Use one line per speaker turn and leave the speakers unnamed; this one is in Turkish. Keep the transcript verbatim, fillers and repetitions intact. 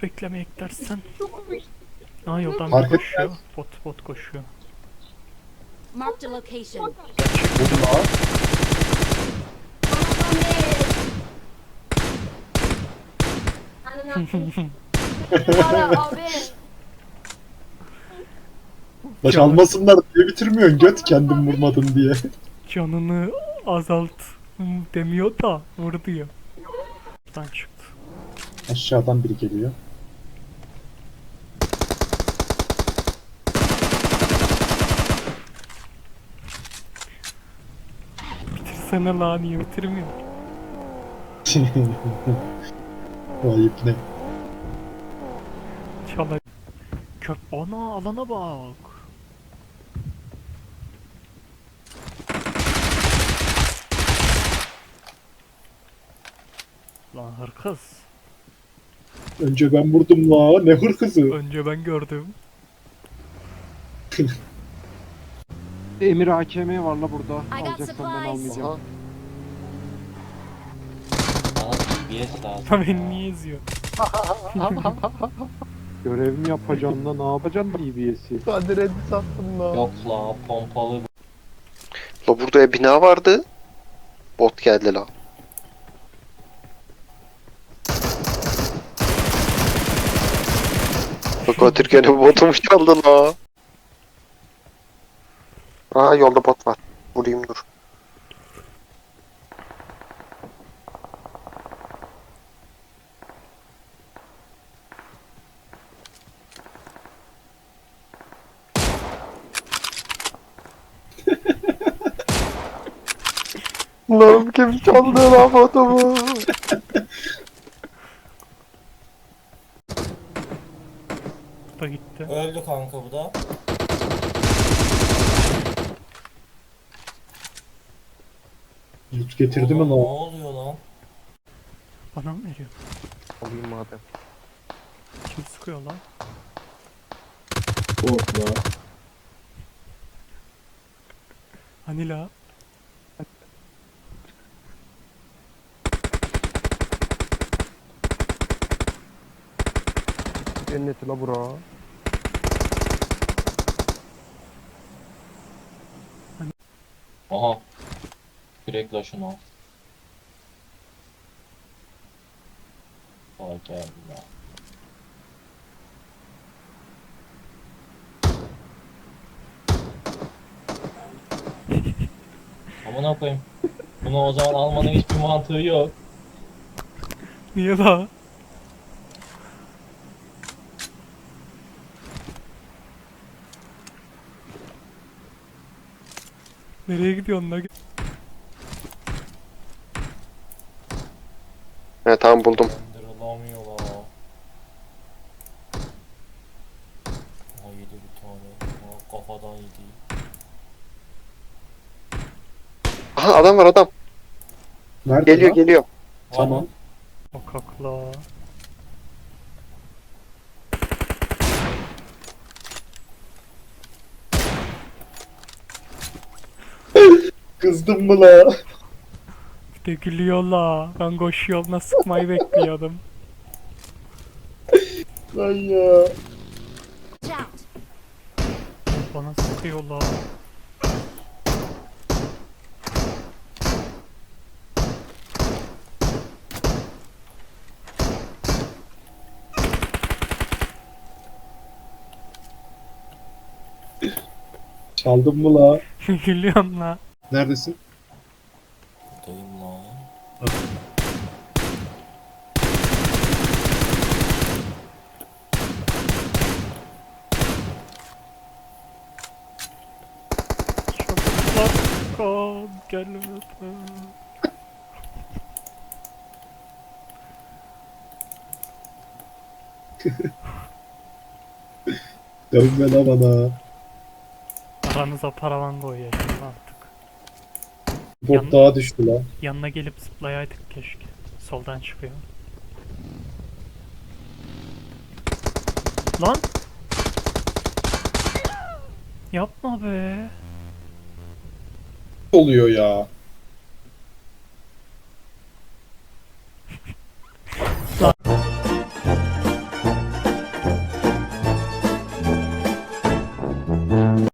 beklemeye gidersen. Aa yoldan
Fark
bir koşuyor. Bot bot koşuyor.
Marked a location.
Vurdum ha.
Abi.
Baş almasınlar diye bitirmiyorsun göt kendim vurmadın diye.
Canını azalt demiyor da vur diyor. Buradan çıktı.
Aşağıdan biri geliyor.
Bitirsene lan, niye bitirmiyor?
Vay ne?
Çalay. Köp ana alana bak. Lan hırkız.
Önce ben vurdum la, ne hırkızı.
Önce ben gördüm.
Emir A K M var la burada.
I got
Alacaksan ben
supplies.
almayacağım.
Bana D B S lazım.
Lan beni niye eziyor?
Görevimi yapacağım da ne yapacaksın D B S'i?
Yok la pompalı.
La burada bina vardı. Bot geldi la. Bak o Türkiye'nin botumu çaldı la. Aa yolda bot var. Vurayım dur. Lan kim çaldı la botumu?
Bu da gitti.
Öldü kanka bu da.
Loot getirdi mi
Oğlum, Ne
la?
oluyor lan?
Bana mı veriyor?
Alayım madem.
Kim sıkıyor lan?
Bot la.
Hani la?
Cenneti la bura.
Aha. Direkt la şunu. Vay geldi la. Amına koyayım. Bunu o zaman almanın hiçbir mantığı yok.
Niye la? Nereye gidiyorsun la?
He tamam buldum.
Döndürülamıyor la. Aha yedi bir tane. Aha, kafadan yedi.
Aha adam var adam.
Nerede
Geliyor
la?
geliyor.
Tamam.
Sokakla.
Kızdım mı la?
Bir de gülüyor la. Ben koşu yoluna sıkmayı bekliyordum.
Lan ya.
Watch out.
Bana sıkıyor la.
Çaldın mı la?
Gülüyorum la.
Neredesin?
Buradayım la.
Çabuklar kal gelmeden.
Dönme la bana.
Aranıza paravan koyuyor artık.
Bot
Yan-
daha düştü la.
Yanına gelip zıplayaydık keşke. Soldan çıkıyor. Lan! Yapma be.
Oluyor ya.